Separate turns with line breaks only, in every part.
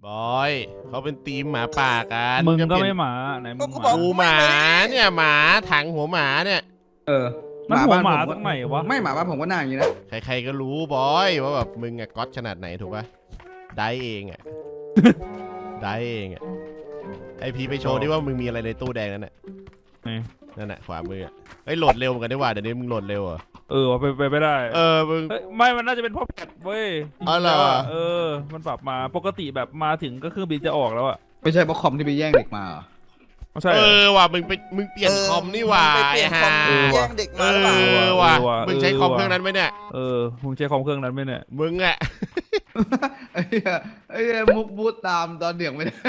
บอยเขาเป็นทีมหมาป่ากัน
มึงก็ไม่หมาไหนมึง
กูหมาเนี่ยหมาถังหัวหมาเนี่ย
มันหัวหมาตรงไหนวะ
ไม่หมาบ้านผมก็หน้าอย่างนี้นะ
ใครๆก็รู้บอยว่าแบบมึงอะก๊อตขนาดไหนถูกปะได้เองอะได้เองอะไอพีไปโชว์ดิว่ามึงมีอะไรในตู้แดงนั่นแหละนั่นแหละขวามืออะเฮ้ยโหลดเร็วเหมือนกันได้ว่าเดี๋ยวนี้มึงโหลดเร็วเหรอ
ไปไม่ได้
มึง
ไม่มันน่าจะเป็นเพราะแพทเว้ย
อะไรวะ
มันปรับมาปกติแบบมาถึงก็เครื่องบินจะออกแล้วอะ
ไม่ใช่เพราะคอมที่ไปแย่งเด็กมา
ใช่
ว่ะมึงเปลี่ยนคอมนี่ว่ะ
เปลี่ยนคอมแย่งเด็กมาหรือเปล่า
ว่ะมึงใช้คอมเครื่องนั้นไหมเนี่ย
มึงใช้คอมเครื่องนั้นไหมเนี่ย
มึงอะ
ไอ้มุกบูตตามตอนเดือดไม่ได้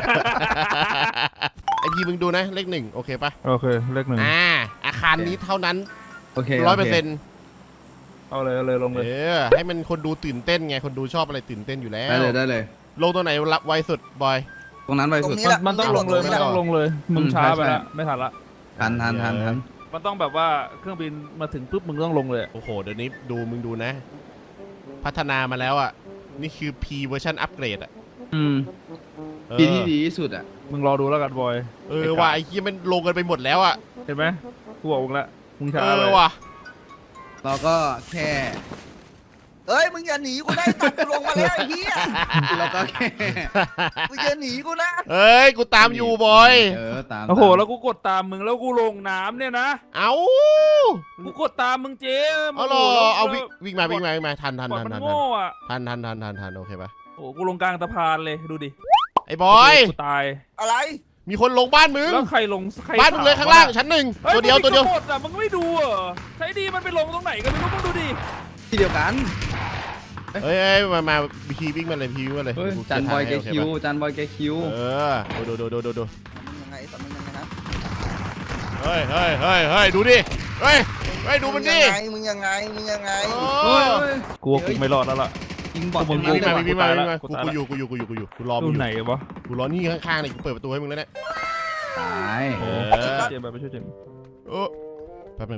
ไอพีมึงดูนะเลขหนึ่งโอเคปะ
โอเคเลขหนึ่ง
อาคารนี้เท่านั้น
โอเค
100%
เอาเลยลงเลย
ให้มันคนดูตื่นเต้นไงคนดูชอบอะไรตื่นเต้นอยู่แล้ว
ได้เลย
ลงตัวไหนรับไวสุดบอย
ตรงนั้นไวสุด
มันต้องลงเลยมึงช้าไปละไม่ทันละ
ทัน
มันต้องแบบว่าเครื่องบินมาถึงปุ๊บมึงต้องลงเลย
โอ้โหเดี๋ยวนี้มึงดูนะพัฒนามาแล้วอ่ะนี่คือ P เวอร์ชันอัปเกรดอ่ะ
ปีที่ดีที่สุดอ่ะ
มึงรอดูแล้วกันบอย
ว่าไอ้ที่มันลงกันไปหมดแล้วอ่ะ
เห็นไหมกูบอกมึงละมึงช้าเลย
ว่ะ
เราก็แค่
เฮ้ยมึงอย่าหนีกูได้ตัดกูลงมาแล้วไอ้เหี้ย
เราก็แค่
มึงอย่าหนีกูนะ
เฮ้ยกูตามอยู่บอย
ตาม
โอ้โหแล้วกูกดตามมึงแล้วกูลงน้ำเนี่ยนะกูกดตามมึงเจ๊
เอาวิ่งมาทัน
มันโง่อะ
ทันโอเคปะ
โอ้กูลงกลางสะพานเลยดูดิ
ไอ้บอย
กูตาย
อะไร
มีคนลงบ้านมึง
แล้วใครลง
บ้านมึงเลยข้างล่างชั้นหนึ่งตัวเดียว
หมดอ่ะมึงไม่ดูเหรอใช้ดีมันไปลงตรงไหนกันไม่รู้มึงดูดิ
ที่เดียวกัน
เฮ้ยมาพีวิ่งมาเลย
จันบอยแกคิวดู
ดู
ยังไงแต่มึงยังไงนะ
เฮ้ยดูดิเฮ้ยดูมันดิ
มึงยังไง
กูไม่รอดแล้วล่ะ
ยิงบอลมึงวิ่งมากูอยู่กูรอมึง
ไหนวะ
กูรอนี่ข้างๆนี่กูเปิดประตูให้มึงแล้วเนี่ย
ตาย
เจมไปช่วยเจม
แป๊บ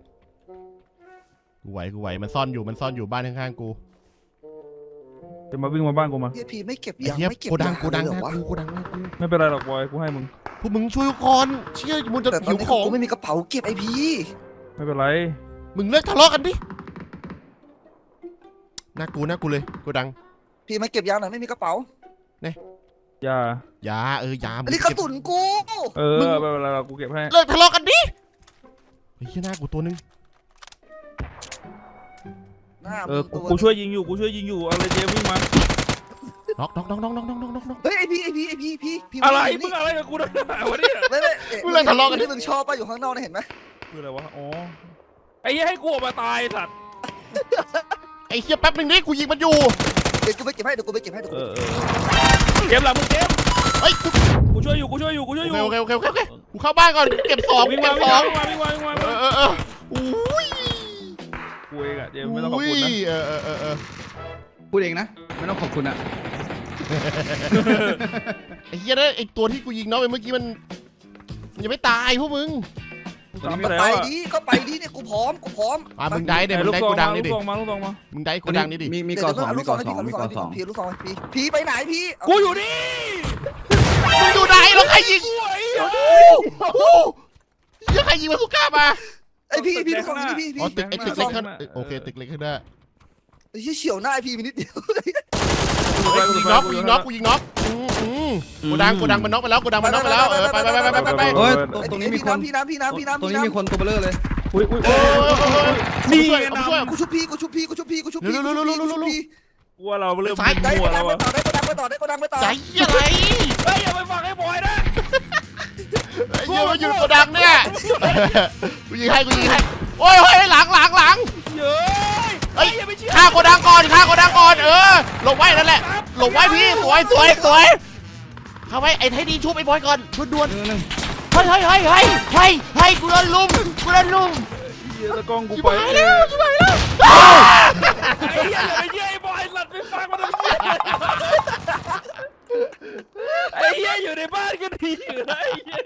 กูไหวมันซ่อนอยู่บ้านข้างๆกู
จะมาวิ่งมาบ้านกูมา
พี่ไม่เก็บยังไม่เก็บ
กูดังนะกู
ไม่เป็นไรหรอกบอยกูให้มึง
พวกมึงช่วยก่อนเชี่ยมึงจะหิวของ
กูไม่มีกระเป๋าเก็บไอพี
ไม่เป็นไร
มึงเลิกทะเลาะกันดิน่ากูเลยกูดัง
พี่ไม่เก็บยาหน่อยไม่มีกระเป๋า
เนี่ย
ยา
อันนี้กระสุนกู
ไม่เป็นไรกูเก็บให้
เลิกทะเลาะกันดิไอ้เหี้ยหน้ากูตัวนึง
กูช่วยยิงอยู่อะไรเจวิ่งมา
น็อก
เฮ้ยไอพี
อะไรมึงอะไรกับกูนะวะเนี่ย
มึงเลยทะเลาะกันที่มึงชอบป่ะอยู่ข้างนอกนี่เห็นไหม
คืออะไรวะอ๋อไอ้ให้กูออกมาตายสัตว์
ไอ้เหี้ยแป๊บนึงนี่กูยิงมันอยู่
เดี๋ยวกูไปเก็บให้เก็บ
หลังมึงเก็บ
เฮ้ย
กูช่วยอยู่โอเค
กูเข้าบ้านก่อนเก็บ2
วิ่งมา
อุ้ย
กูเองอะเจมไม่ต้องขอบคุณนะ
พูดเองนะไม่ต้องขอบคุณอะ
ไอ้เหี้ยนะไอ้ตัวที่กูยิงน้องไปเมื่อกี้มันยังไม่ตายพวกมึง
ไปดิเนี่ยกูพร้อม
มึงได้เดี๋ยวมึงได้กูดังนี่ดิ
ลูกมา
มึงได้กูดังนี่ดิ
มีก่อ2
พี่ลูก2พี่ไปไหนพี่
กูอยู่นี่
มึงอยู่ไหนแล้วใครยิงยังใครยิงมาสุก้ามา
ไอพี่ลูก2พี่
ตึกเล็กข้างโอเคตึกเล็กข้างหน้า
ไอ้เฉียวหน้าไอพี่ไปนิดเดียว
กูยิงน็อกกูดังมันน็อกไปแล้วไป
ตรงนี้มีคน
พี่น้ำ
ตรงนี้มีคนตัวเบลอเลย
นี่
กูชุบพี่
ว่าเราเริ่มมั่วแล้ววะ
ได้
ใจอะไร
อย่าไปฟังให้บอยนะ
ยืนมาอยู่ตัวดังเนี่ยกูยิงให้โอ้ยหลัง
เย้ย
ฆ่าโกดังก่อนหลบไว้นั่นแหละหลบไว้พี่สวยเข้าไว้ไอ้ไทยดีชุบไอ้บอยก่อนด่วนเฮ้ยกูโดนลุม
เยอะตะกองกู
ไปแล้ว
ไอ้เหี้ยอย่าไปเยี่ยไอ้บอยหลัดไปฟังมันไอ้เหี้ยอยู่ในบ้านก็ดีอยู่นะ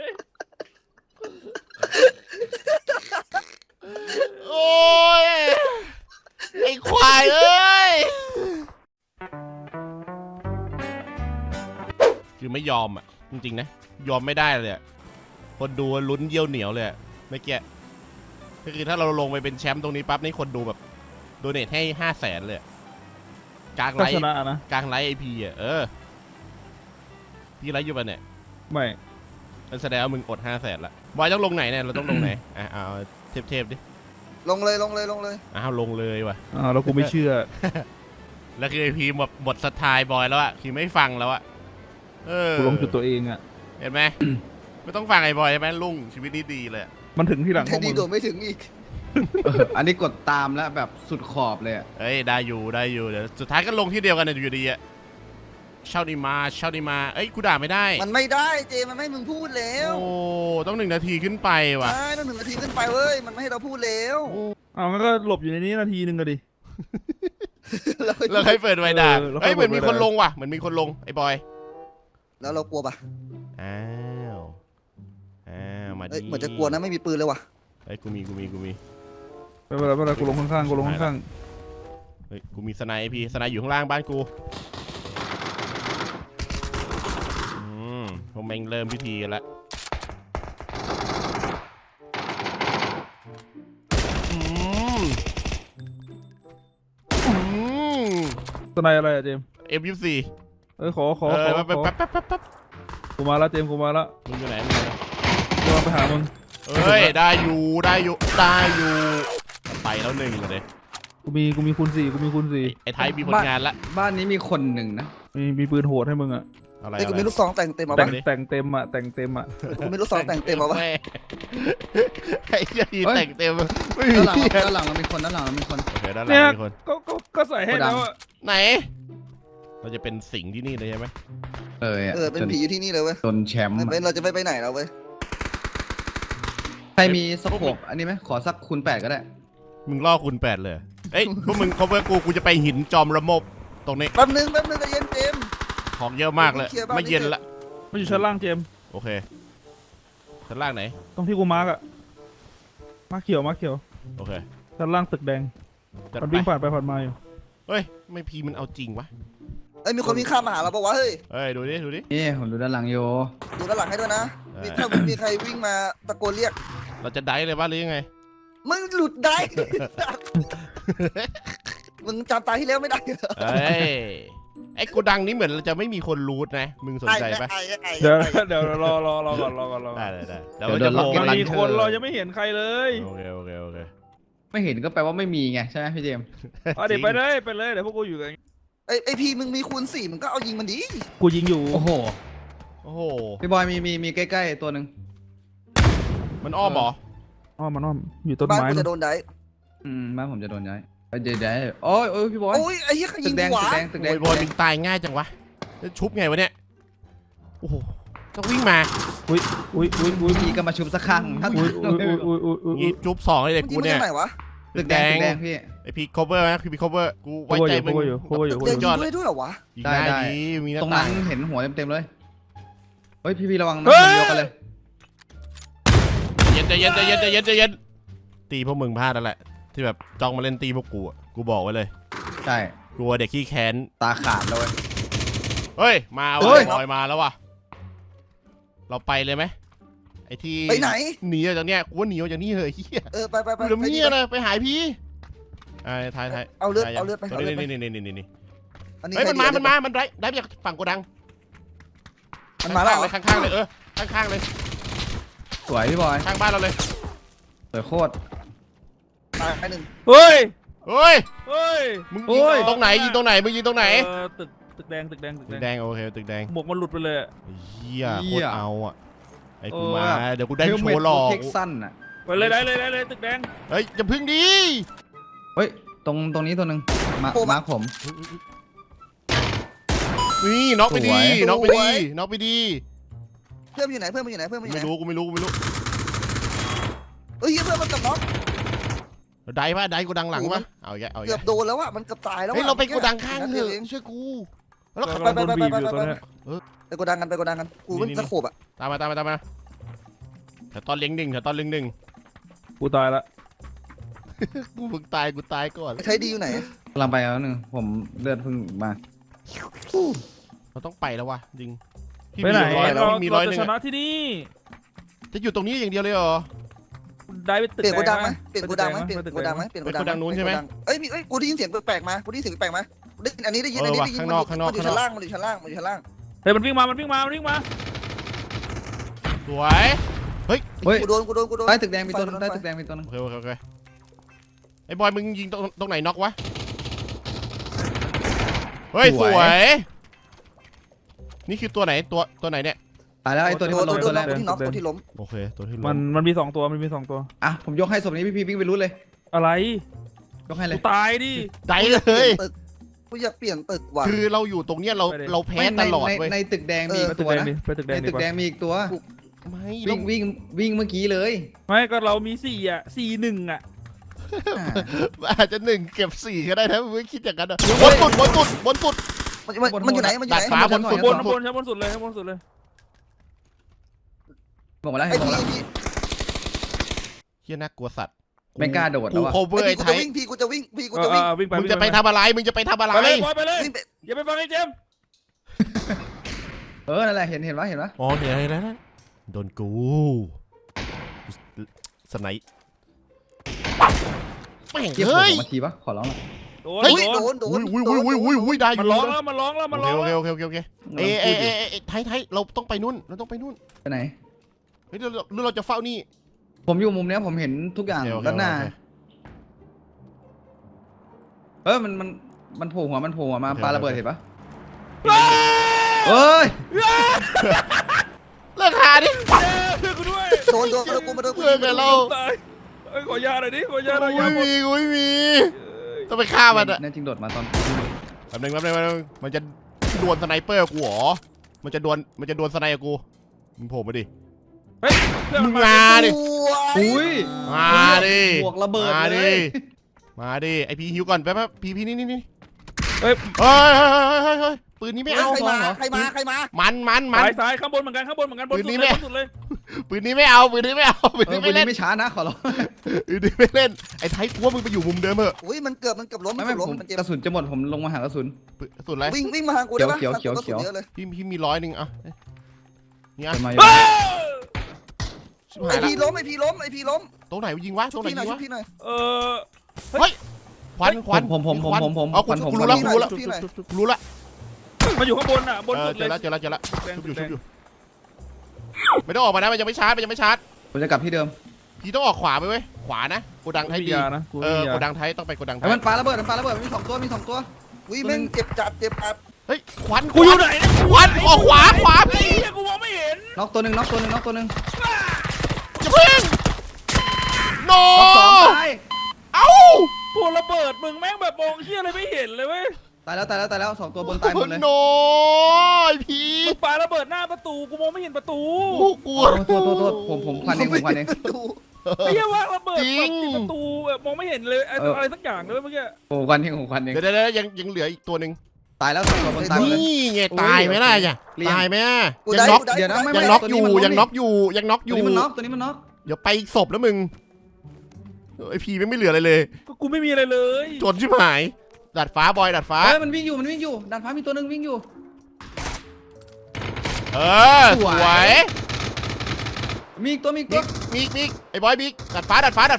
โอ้ยไอ้ควายเอ้ยคือไม่ยอมอ่ะจริงๆนะยอมไม่ได้เลยอะคนดูลุ้นเยี่ยวเหนียวเลยอะเมื่อกี้ก็คือถ้าเราลงไปเป็นแชมป์ตรงนี้ปั๊บนี่คนดูแบบโดเนทให้500,000เลยอะกลาง
ก็
ไลฟ์
ชนะนะ
กลางไลฟ์ไอพีอ่ะพี่ไลฟ์อยู่ปะเนี่ย
ไม่
มันแสดงว่ามึงอด500,000ละบอยต้องลงไหนเนี่ยเราต้องลงไหนเอาเทปดิ
ลงเลยลงเลยลงเลย
อ้าวลงเลยว่ะ
แล้วกูไม่เชื่อ
แล้วคือไอพีหมดสไตล์บอยแล้วอะคือไม่ฟังแล้วอะ
กูลงจุดตัวเองอ่ะ
เห็นไหม ไม่ต้องฟังไอ้บอยใช่ไหมลุงชีวิตนี้ดีเลยอะ
มันถึงที่หลังพ
แค่
วก
ดี
มึง
โดดไม่ถึงอีก
อันนี้กดตามแล้วแบบสุดขอบเลยอะ
เฮ้ยได้อยู่เดี๋ยวสุดท้ายก็ลงที่เดียวกันอยู่ดีอะเช่าดีมาเอ้ยกูด่าไม่ได้
มันไม่ได้เจมันไม่ให้มึงพูดแล้ว
โอ้ต้อง1 นาทีขึ้นไปว่ะ
ใช่ต้อง1 นาทีขึ้นไปเว้ยมันไม่ให้เราพูดแล้ว
งั้นก็หลบอยู่ในนี้นาทีนึงก็ดิ
แล้วให้เปิดไวด่า
แล้วค่
เฮ้
อย
ยเหมือน
เปิ
มี
ดไว้
คนลงว่ะเหมือนมีคนลงไอ้บอย
แล้วเรากลัวปะ
อ้าวมา
เอ้ย
ดิ
เหมือนจะกลัวนะไม่มีปืนเลยว่ะ
เฮ้ยกูมี
ไม่เป็นไรกูลงข้างๆกูลงข้าง
เฮ้ยกูมีสไนป์พี่สไนป์อยู่ข้างล่างบ้านกูผมเองเริ่มพิธีกันแล้ว
ๆสไนอะไรอะเจมส์
M24
ขอ
แป๊บ
กูมาแล้วเจมส์กูมาแล้ว
มึงอยู่ไหนมึงอยู่ไหน
กำลังไปหามึง
เฮ้ยได้อยู่ไปแล้ว1เลย
กูมีคูณ4
ไอ้ไทยมีผลงานละ
บ้านนี้มีคนหนึ่งนะ
มีปืนโหดให้มึงอ่ะ
อะไร
เอ้ยกูมีลูกซองแต่งเต็มมา
แต่
ปะ
งเต็มอ่ะ
กูมีลูกซองแต่งเต็มมาปะ
แไอ้เหี้ยยีแต่งเต็มไม่มี
ด้านหลังเรามีคนด้านหลังเรามีคน
โอเคด้านหลั
เนี่
ง
ย
มีคน
ก็ใส่ให้แล้วอะ
ไหน เราจะเป็นสิงที่นี่เลยใช่ไหม
เป็นผีอยู่ที่นี่เลยเว้ย
จนแชมป์
เราจะไม่ไปไหนแล้วเว้ย
ใครมีสโคปอันนี้ไหมขอสักคูณ 8ก็ได้
มึงล่อคูณ8เลยเอ้ยพวกมึง cover กูจะไปหินจอมระมบตรงนี้
แป๊บนึงใจเย็นเจมส์
ของเยอะมากเลย
เคลียร์บ้าน
ไม่เย็นละ
มันอยู่ชั้นล่างเจมส์
โอเคชั้นล่างไหน
ตรงที่กูมาร์กอะมาร์กเขียว
โอเค
ชั้นล่างตึกแดง
จัด
มัน
ไป
วิ่งผ่านไปผ่านมาอยู่
เฮ้ยไม่พีมันเอาจริงวะ
เอ้ยมีคนวิ่งข้ามมาหาเราปะวะเฮ้ย
เฮ้ยดูดิ
นี่ผมดูด้านหลังโย
ดูด้านหลังให้ด้วยนะถ้ามีใครวิ่งมาตะโกนเรียก
เราจะได้เลยว่าหรือยังไง
มึงหลุดได้ มึงจำตาที่แล้วไม่ได้
เฮ้ยไอ้โกดังนี้เหมือนเราจะไม่มีคนรูทนะมึงสนใจปะ
เดี๋ยวรอก่อน
ได้เดี๋ยวจะโผล่
มัน
มา
มีคนเรายังไม่เห็นใครเลย
โอเค
ไม่เห็นก็แปลว่าไม่มีไงใช่ไหมพี่เจมส์
เดี๋ยวไปเลยเดี๋ยวพวกกูอยู่กัน
ไอพีมึงมีคูณ4มึงก็เอายิงมันดี
กูยิงอยู่
โอ้โห
โอ้โห
พี่บอยมีใกล้ๆตัวหนึ่ง
มันอ้อมเหรอ
มันอ้อมอยู่ต้น
บ้าน
ไม้
กูจะโดนได้
บ้านผมจะโดนย้ายเดี๋ยวโอ้ยพี่บอย
โอ้ยไอ้เหี้ยใคร
ตึ
ยิ
ก
ง
แดง
กูวะ
ตึกแดง
โอ้ยบอลมึงตายง่ายจังวะแล้วชุบไงวะเนี่ยโอ้โหต้องวิ่งมา
อุ้ย
พี่ก็มาชุบสักครั้ง
งี้จุบ2เลยเด็ก
มึง
กู
ยิง
เนี่ย
มาจากไหนวะ
ตึกแดงพี่
ไอพี cover นะคือพี cover กูไว้ใจมึง
อยู่
เด็กยิงด้วยเหรอวะ
ยิงได้ดีมีหน้า
ตรง
ต่า
นั้
ง
นเห็นหัวเต็มเลยเฮ้ยพี่ระวังนะยกกันเลย
ใจเย็นตีพวกมึงพลาดแล้วแหละที่แบบจ้องมาเล่นตีพวกกูอ่ะกูบอกไว้เลย
ใช่
กลัวเด็กขี้แค้น
ตาขาดเลย
เฮ้ยมา
เฮ้
ว่ะ
ย
บอยมาแล้วว่ะเราไปเลยไหมไอที่
ไปไหน
หนีออกจากเนี้ยกูว่าหนีออกจากนี่เหอะเฮีย
ไป
กูจะมีอะไรไปหายพี่ไทย
เอาเลือดไป
นี่เฮ้ยมันได้มาจากฝั่งโกดัง
มันมาแล้ว
ข้างเลยข้างเลย
สวยพี่บอย
ข้างบ้านเราเลย
สวยโคตร
ตายไปหนึ่ง
เฮ้ย
มึงยิงตรงไหนมึงยิงตรงไหน
ตึกแดง
ตึกแดงโอเคตึกแดง
หมวกมันหลุดไปเลย
เฮียโคตรเอาอ่ะไอ้กูมาเดี๋ยวกูได้โชว์หลอก
เท็กซันอ่ะ
ไปเลยได้เลยตึกแดง
เฮ้ยอย่าพึ่งดิ
เฮ้ยตรงนี้ตัวหนึ่งมาผม
นี่น็อกไปดีน็อกไปดี
เพื่อนอยู่ไหน
ไม่รู้กูไม่รู้
เฮ้ยเพื่อนมันกับน็อก
ได้ปะได้กูดังหลังปะเอาแก
เกือบโดนแล้วอ่ะมันเกือบตายแล้ว
เฮ้ยเราไปกูดังข้างเถอะเชื่อกูแล้วขับ
โดนบีบอยู่ตอนนี้
ไปกดดังกันกูมันตะโขบอ่ะ
ตามมาแต่ตอนเลี้ยงหนึ่ง
กูตายละ
กูเพิ่งตายก่อน
ใช้ดีอยู่ไหน
กำลังไปแล้วหนึ่งผมเลือดเพิ่งมา
เราต้องไปแล้ววะจริงพี่
ไปไหน
มีร้อย
เรา
มี
เรา
100
จะชนะที่นี่
จะอยู่ตรงนี้อย่างเดียวเลยเหรอ
ได้ไปตึก
เปลี่ยนโกดังไหม
แด
เปลี่ยนโกดังไหมเปลี่ยนโกดังไหมเปลี่ยนโกดัง
โกดังนู้นใช่ไหม
เอ้ยกูได้ยินเสียงแปลกๆมากูได้ยินเสียงแปลกๆมาได้ยินอันนี้ได้ยิน
เอ
อัน
อ
นี้
ว่ะ
ได้ยิน
ข้างนอก
มันอยู่ชั้นล่างมันอยู่ชั้นล่างมันอยู่ชั้นล่าง
เฮ้ยมันวิ่งมามันวิ่งมามันวิ่งมา
สวยเฮ้ย
เฮ้ย
กูโดน
ใต้ตึกแดงมีตัวนึงใต้ตึกแดงมีตัวนึง
โอเคโอเคโอเคไอ้บอยมึงยิงตรงไหนน็อกวะเฮ้ยสวยนี่คือตัวไหนตัวไหนเนี่ย
ตายแล้วไอ้ตัวนี้มันลงตัวแรก
ตัวที่น็อกตัวที่ล้ม
โอเคตัวที่ล้
มันมี2 ตัวมันมี2 ตัว
อ่ะผมยกให้ศพนี้พี่วิ่งไปรู้เลย
อะไร
ยกให้เล
กู
ย
ตายดิ
ได้เลย
กูอยากเปลี่ยนตึกว่ะ
คือเราอยู่ตรงเนี้ยเราแพ้
ไม่
ตลอด
ใน
เว้ย
ในตึกแดงมีอี
ไป
ก
ตึก
ตัว
แดง
นะ
ดิไปตึกแด
ใน
งดิ
ตึกแดงมีอีกตัว
ไม่
วิ่งเมื่อกี้เลย
ไม่ก็เรามี4อ่ะ4-1อ่ะ
อาจจะ1 เก็บ 4ก็ได้นะมึงไม่คิดอย่างนั้นอะบนสุด
มันอยู่ไหนมันอยู่ไหน
ดาดฟ้าบนสุด
บนชั้นบนสุดเลยชั้นบนสุดเลย
บอกมาแล้ว
ไอ้
เห็นบอก
พี่
แล้ว
เฮียน่ากลัวสัตว์
ไม่กล้าโดดแล้
กู
วอะ
โคเวอร์
ไอ้
ไอ้
พี่กู
ไท
จะ
ย
วิ่งพี่กูจะวิ่งพี่กูจะวิ่ง
วิ่งไป
มึงจะไปทำอะไรมึงจะไปทำอะไร
ไปเลยบอยไปเลย
วิ่งไป
อย่าไปฟังไอ้เจมส์
นั่นแหละเห็นปะ
อ๋อเห็นอะไรแล้วนะโดนกูสไนป์แม่ง
เกี่ยว
เฮ้ย
มาทีปะขอร้องหน่อย
โดน
เฮ้ย
โดน
โดน
อุ้ยได้อ
มัน
ยู่
ร้องแล้วมันร้องแล้วมันร้อง
โอ
แล้ว
เคเอ้ไทยเราต้องไปนู่นเราต้องไปนู่น
ไปไหน
เฮ้ยเราจะเฝ้านี่
ผมอยู่มุมเนี้ยผมเห็นทุกอย่าง
โอเค
ด้านหน้ามันโผล่หัวมาปาระเบิดเห็นปะเฮ้ย
เลิกหาดิ
เพื่อนกูด้วย
โดนกูมาโดนกู
เลิกกันเรา
ตายขอยาหน่อยดิขอยาหน่อย
กูไม่มีต้องไปฆ่ามันอะ
แน่จริงโดดมาตอน
แป๊บนึงมันจะดวลสไนเปอร์กูหรอมันจะดวลสไนกับกูมึงโผล่มาดิ
เฮ้ยเพื่อน
มึ
มัน
ง
มา
มาดิ
อุ้ย
มาดิ
บวกระเบิด
มา
เล
ดิ
ย
มาดิไอพีฮิวก่อนแป๊บพี่นี่
เฮ้ย
เฮ้ยปืนนี้ไม่เอา
ใครมา
มัน
ซ้ายข้างบนเหมือนกันบนสุดเลย
ปืนนี้ไม่เอาปืนนี้ไม่
ปืน
ไม่เล่
นี้
น
ไม่ช้านะขอร้อง
ปืนนี้ไม่เล่นไอ้ไทยกูว่ามึงไปอยู่มุมเดิมเถอะ
อุ้ยมันเกือบล้ม
ไม่ผม
มันเจ็บ
กระสุนจะหมดผมลงมาหากระสุน
สุดไร
วิ่งมาหากูได้ปะ
เขียว
เลย
พี่มี100อ่ะนี่อ่ะ
จะมา
ชิบหา
ไอย
ละ
พีล้มไอพีล้ม
ตรงไหนยิงวะตรงไหน
พี่หน่อย
ยิงวะ
พี่หน่อย
ควัน
ผม
เอากูรู้ละกูรู้ละ
มาอยู่ข้างบนอ่ะบนสุด
เจ
เล
อย แล้วชุบอยู่ไม่ต้องออกมานะมันยังไม่ชาร์จ
ผมจะกลับที่เดิม
พี่ต้องออกขวาไปเว้ยขวานะโกดังไทยดี
นะกู
โกดังไทยต้องไปโกดังไท
ไอ้
ย
มันปาระเบิดมี2 ตัว
อุ้ยแม่งเจ็บจัด
เฮ้ยควัน
กูอยู่ไหน
ควันออกขวาพี่
กูมองไม่เห็น
น็อกตัวหนึ่ง
อย่าเพิ่งโน เอ้า
ตัวระเบิดมึงแม่งแบบมองเชี่ยอะไรไม่เห็นเลยเว้ย
ตายแล้ว2 ตัวบนตายหมดเลย
โนพี่
มึงปาระเบิดหน้าประตูกูมองไม่เห็นประตู
กลัว
ตัวผมควันเอง
ไอ้เหี้ยว่าระเบิดติดประตูแบบมองไม่เห็นเลยอะไรสักอย่างเลยเมื่อกี้
ผมควันเอง
เดี๋ยวยังเหลืออีกตัวหนึ่ง
ตายแล้ว2 ตัวบนตายหมดเลย
นี่ไงตายไหมล่ะจ้ะตายไหมยังน็อก
เดี๋ยวนะ
ยังน็อกอยู่ยังน็อกอยู่
ตัวนี้มันน็อก
เดี๋ยวไปอีกศพแล้วมึงไอพีไม่เหลืออะไรเลย
ก็กูไม่มีอะไรเลย
จนชิบหายดาดฟ้าบอยดาดฟ้า
มันวิ่งอยู่ด้านฟ้ามีตัวนึงวิ่งอยู่
สวย
มีอีกตัว
มิกไอ้บอยมิกดาดฟ้า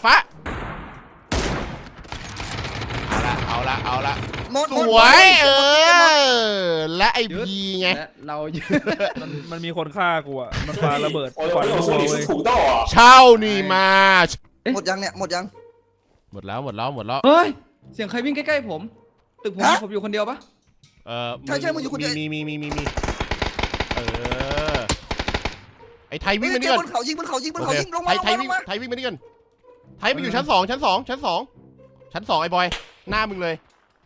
เอาละ สวยและไอพีไง
เราเยอะ
มันมีคนฆ่ากูอ่ะมันปาระเบิดก่อนตัวเว้ย
เช่านี่มา
หมดยังเนี่ยหมดยัง
หมดแล้ว
เฮ้ยเสียงใครวิ่งใกล้ๆผมตึกผมอยู่คนเดียวปะ
ใช่มึงอยู่คนเดียว
มีไอ้ไทยวิ่งมานี่
เจ็
ก่
บ
อน
บนเขายิงลงมา
ไทยวิ่งมานี่ก่อนไทยมันอยู่ชั้น 2 ชั้น 2 ไอ้บอยหน้ามึงเลย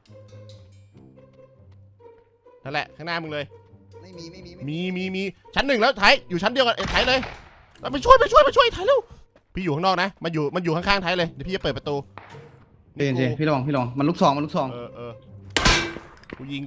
นั่นแหละข้างหน้ามึงเลย
ไม่
มีชั้น 1แล้วไทยอยู่ชั้นเดียวกันไทยเลยไปช่วยไทยเร็วพี่อยู่ข้างนอกนะมันอยู่ข้างๆไทยเลยเดี๋ยวพี่จะเปิดประตู
เจพี่ลองมันลูกซอง
กูยิง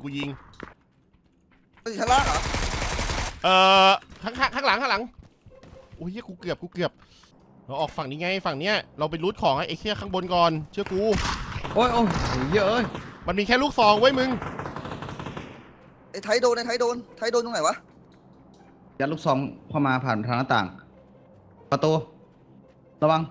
ชั้นล่างเหรอ
ข้างหลังโอ้ยกูเกือบเราออกฝั่งนี้ไงฝั่งเนี้ยเราไปรูทของไอ้เชี่ยข้างบนก่อนเชื่อกู
โอ้ยเยอะ
มันมีแค่ลูกซองไว้มึง
ไอ้ไทยโดนตรงไหนวะ
ยัดลูกซองเข้ามาผ่านทางหน้าต่าง ประตูระวัง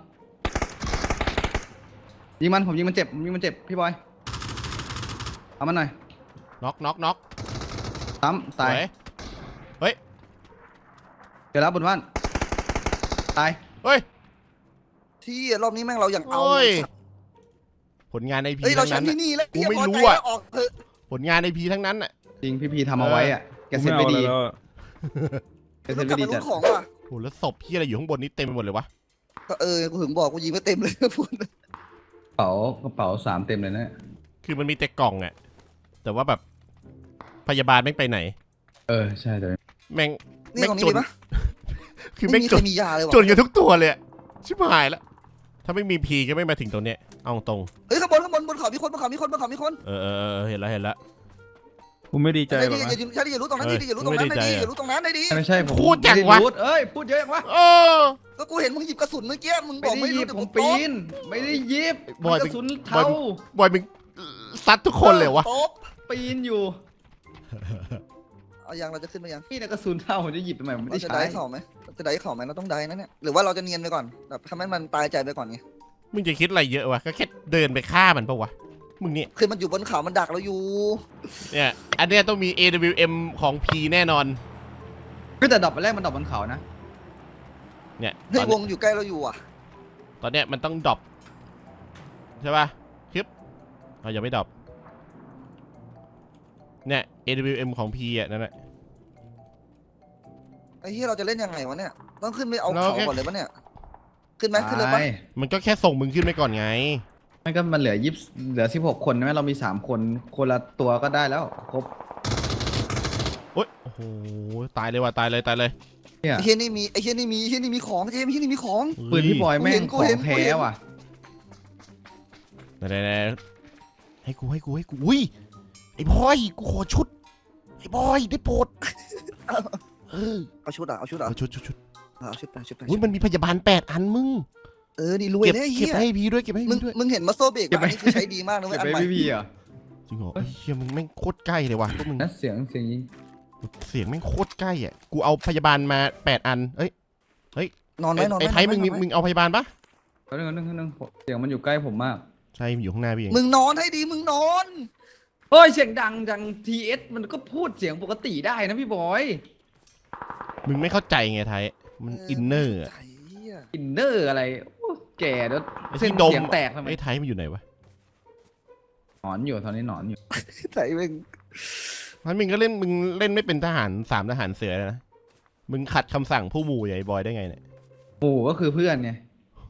ยิงมันผมยิงมันเจ็บพี่บอยเอามันหน่อย
น็อก
ซ้ำตาย
เฮ้ย
เดี๋ยวแล้วบนบ้านตาย
เฮ้ย
ที่รอบนี้แม่งเราอย่างเอา
โอ้ยผลงานในพี
เฮ้ยเรา
ทั้ง
แช
นั้
ม
น
ป์ที่นี่แล้ว
กูไม่
พ
รู้
ใจ
อะ
แล้วออกเถอะ
ผลงานในพีทั้งนั้นอ่ะ
จริงพี่ทำเอาไว้อะแกเซ็ตไม่ดี แก
ต้
เซ็
อ
ต
งกลั
ไม่
บ
ดี
ไป
จั
รู้
ด
ของว่ะ
โหแล้วศพพี่อะไรอยู่ข้างบนนี้เต็มไปหมดเลยวะ
ก็กูถึงบอกกูยิงไม่เต็มเลยพูด
กระเป๋า3เต็มเลยนะ
คือมันมีแต่กล่องอ่ะแต่ว่าแบบพยาบาลแม่งไปไหน
ใช่แต่
แม่ง
นี่ตรงนี้ดีปะ
คือ
ไม่
แม่ง
มี
จ
ใคร
น
มียาเลย
จ
ว่ะ
นกันทุกตัวเลยอะชิบหายแล้วถ้าไม่มีพีก็ไม่มาถึงตรงเนี้ยเอาตรง
เฮ้ยข้างบนบนเขามีคนบนเขามีคน
เออเห็นแล้ว
กูไม่ดีใจ
ใช่
หร
ดิ
อกนะ
อย่ารู้ตรงนั้นดิอย่ารู้ตรงนั้นดิอย่ารู้ตรงนั้นดิ
ไม่ใช่ผม
พูดจังวะ
ไม่ไรู้พูดเยอะจังวะ
โอ้
ก็กูเห็นมึงหยิบกระสุนเมื่อกี้มึงบ
ไม่
อก
ได้
ไม่
หยิ
รู้
บ
แต่
ผ
กู
ม
โต๊
ปีนไม่ได้หยิบมันกระสุนเทา
บอยมึงซัดทุกคนเลยวะ
โต๊ะ
ปีนอยู่
เอายังเราจะขึ้นมายัง
นี่นะกระสุนเทาผมจะหยิบทำไมผมไม่
เรา
ได้
จะ
ใช้
ได้เข่าไหมจะได้เข่าไหมเราต้องได้นะเนี่ยหรือว่าเราจะเนียนไปก่อนแบบทำให้มันตายใจไปก่อนไง
มึงจะคิดอะไรเยอะวะก็แค่เดินไปฆ่ามันปะวะมึงเนี่ย
คือมันอยู่บนเขามันดักเราอยู่
เนี่ยอันเนี้ยต้องมี AWM ของ P แน่นอน
ก็แต่ดอกแรกมันดอกบนเขานะ
เนี่ย
เฮ้ยวงอยู่ใกล้เราอยู่อ่ะ
ตอนเนี้ยมันต้องดรอปใช่ป่ะคลิปเรายังไม่ดรอปเนี่ย AWM ของ P อ่ะนั่นแหละ
ไอ้เหี้ยเราจะเล่นยังไงวะเนี่ยต้องขึ้นไปเอาเขาก่อนเลยปะเนี่ยขึ้นไหมขึ้นเลยปะ
มันก็แค่ส่งมึงขึ้นไปก่อนไง
มันก็มันเหลือ16 คนใช่ไหมเรามี3 คนคนละตัวก็ได้แล้วครบ
โอ๊ยโอ้โหตายเลยว่ะตายเลย
เนี่ย
ไอ้เหี้ยนี่มีของเจมไอ้เหี้ยนี่มีของ
ปืนพี่บอยแม่ง
กู
ขอ
เห็
ง
น
แท้ว่ะ
ไหนให้กูอุ้ยไอ้บอยกูขอชุดไอ้บอยได้โปรด
เอาชุดอ่ะ
เอาชุด
เอาชุดไป
อุ้ยมันมีพยาบาล8 อันมึง
นี่รวย
เก็บ
เลยไอ้
เก็บ
เหี้ย
ให้พีด้วยเก็บให้
มึ
พี
ง
ด้วย
มึงเห็นมัสโซเบรกอันนี้คือใช้ดีมากนะเว้
เก็
ย
บ
อัน
ไป
ใหม่
พี่อ่ะ
จริงเหรอไอ้เหี้ยมึงแม่งโคตรใกล้เลยว่ะพวกมึง
นั่นเสียงยิง
เสียงแม่งโคตรใกล้อ่ะกูเอาพยาบาลมา8 อันเอ้ย
นอนไหมนอนไหม
ไอ้ไทยมึงเอาพยาบาลปะ
นึงเสียงมันอยู่ใกล้ผมมาก
ใช่มันอยู่ข้างหน้าพี่เอง
มึงนอนให้ดีมึงนอน
เฮ้ยเสียงดังจัง TS มันก็พูดเสียงปกติได้นะพี่บอย
มึงไม่เข้าใจไงไทยมันอินเนอร์อะ
ไอ้เหี้ย
อินเนอร์อะไรโอ้แก่แล้ว
ไอ้
เส้น
ที่ดม
เสียงแตกทำไม
ไอ้ไทยมันอยู่ไหนวะ
หนอนอยู่ตอนนี้หนอนอยู่
ไอ้มึง
มันมึงเล่นไม่เป็นทหาร3 ทหารเสือเลยนะมึงขัดคำสั่งผู้หมู่ใหญ่บอยได้ไงเนี่ย
หมู่ก็คือเพื่อนไง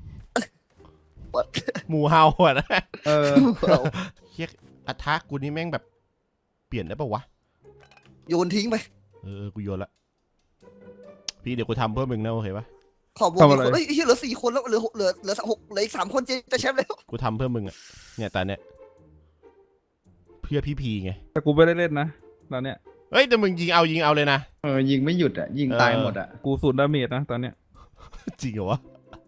หมู่เฮาอ่ะนะ
เออ
เฮียอัทากูนี่แม่งแบบเปลี่ยนได้ปะวะ
โยนทิ้งไป
กูโยนละพี่เดี๋ยวกูทำเพื่อมึงนะโอเคปะ
ขอบวงอีกคนเฮ้ยไอ้เหี้ยเหลือ4 คนแล้วเหลือ6เหลืออีก3 คนจะแชมป์แล้ว
กูทำเพื่อมึงอ่ะเนี่ยตาเนี่ยเพื่อพี่พีไง
แต่กูไม่ได้เล่นนะตอนเนี้ย
เฮ้ยแต่มึงยิงเอาเลยนะ
ยิงไม่หยุดอ่ะยิงตายหมดอ่ะ
กูสูดดาเมจนะตอนเนี้ย
จริงเหรอวะ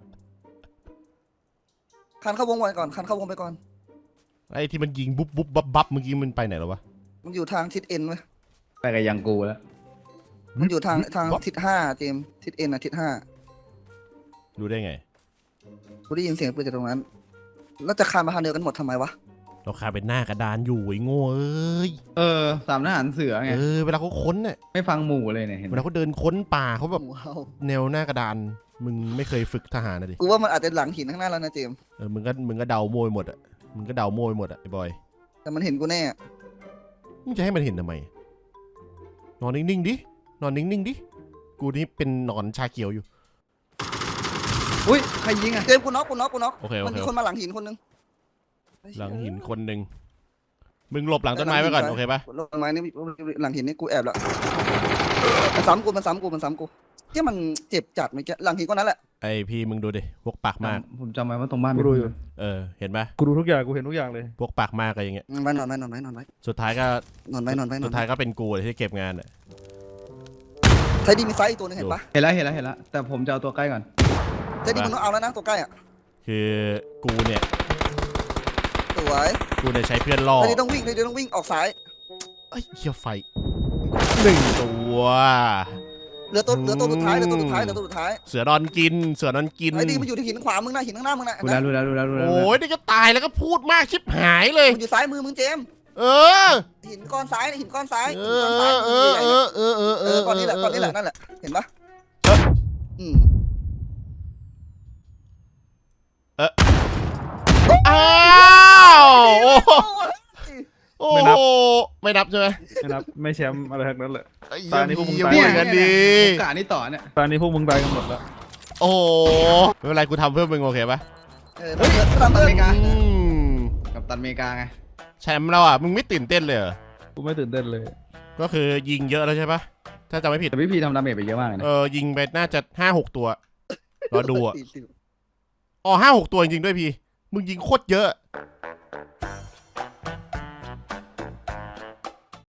คันเข้าวงไปก่อนคันเข้าวงไปก่อน
ไอ้ที่มันยิงบุ๊บบับเมื่อกี้มันไปไหนแล้ววะ
มันอยู่ทางทิศเอ็นเว้ย
ไปกับยังกูแล้ว
มันอยู่ทางทิศ5เจมทิศเอ็นทิศ5
รู้ได้ไง
กูได้ยินเสียงปืนจากตรงนั้นแล้วจะคานมาทางเดียวกันหมดทำไมวะ
เราคาเป็นหน้ากระดานอยู่ไอ้โง่เอ้ย
3 ทหารเสือไง
เวลาเขาค้นเนี่ย
ไม่ฟังหมู่เลยเนี่ยเห็นไห
เว
ม
ลาเขาเดินค้นป่าเขาแบบ
ว้าว
แนวหน้ากระดานมึงไม่เคยฝึกทหารนะดิ
กูว่ามันอาจจะหลังหินข้างหน้าแล้วนะเจม
มึงก็เดาโมยหมดอ่ะมึงก็เดาโมยหมดอ่ะไอ้บอย
แต่มันเห็นกูแน่
มึงจะให้มันเห็นทำไมนอนนิ่งๆดินอนนิ่งๆดิกูนี่เป็นหนอนชาเขียวอยู่
อุ้ยใครยิงอ่ะ
เจมกูน็อก
โอเค
มันมีคนมาหลังหินคนนึง
หลังหินคนหนึ่งมึงหลบหลังต้นไม้ไว้ก่อนโอเคปะ
หลังไม้นี่หลังหินนี่กูแอบแล้วมันซ้ำกูที่มันเจ็บจัดเมื่อกี้หลังหินก็นั้นแหละ
ไอพี่มึงดูดิพวกปากมาก
ผมจำไว้ว่าตรงบ้าน
กู
มี
ดู
คน
อยู่
เห็นปะ
กูดูทุกอย่างกูเห็นทุกอย่างเลย
พวกปากมากอะไรอย่างเงี้ย
นอนไว้
สุดท้ายก็
นอนไว้
สุดท้ายก็เป็นกูเลยที่เก็บงานอ่ะ
ไทยดีมีไซส์อีกตัวนึงเห็นปะ
เห็นแล้วแต่ผมจะเอาตัวใกล้ก่อน
ไทยดีมึงต้องเอาแล้วนะตัวใกล้อ่ะ
คือกูเนี่ย
สวย
ใช้เพื่อนล่อ
ไทยดีต้องวิ่งออกซ้าย
เอ้ยเฮียไฟ1 ตัว
เหลือตัวสุดท้ายเหลือตัวสุดท้ายเหลือตัวสุดท้าย
เสือนอนกินเสือนอนกิน
ไอ้ดีมันอยู่ที่หินขวามึงนะหินข้างหน้ามึงนะ
รู้แล้ว
โอ้ยนี่ก็ตายแล้วก็พูดมากชิบหายเลย
มันอยู่ซ้ายมือมึงเจมส์
เออ
หินก้อนซ้ายหินก้อนซ้าย
เอ
หินก้อนซ้าย
อ
ก้อนนี้แหละก้อนนี้แหละนั่นแหละเห็นปะอืม
อ้าวโอ้โหไม่นับใช่ไหม
ไม่นับไม่แชมป์อะไรทั้งนั้นเลย
ตอนนี้พวกมึงตายกันดี
โอกาสนี้ต่อเนี่ย
ตอนนี้พวกมึงตายกันหมดแล้ว
โอ้โหไม่เป็นไรกูทำเพื่อมึงโอเคปะ
กัปตันอเมริกา
อืม
กัปตันอเมริกาไง
แชมป์เราอ่ะมึงไม่ตื่นเต้นเลยเหรอ
กูไม่ตื่นเต้นเลย
ก็คือยิงเยอะแล้วใช่ปะถ้าจำไม่ผิด
แต่พี่พีทำดาเมจไปเยอะมากเลยนะ
ยิงไปน่าจะ5-6 ตัวรอดูอ่ะอ๋อ5-6 ตัวจริงๆด้วยพี่มึงยิงโคตรเยอะ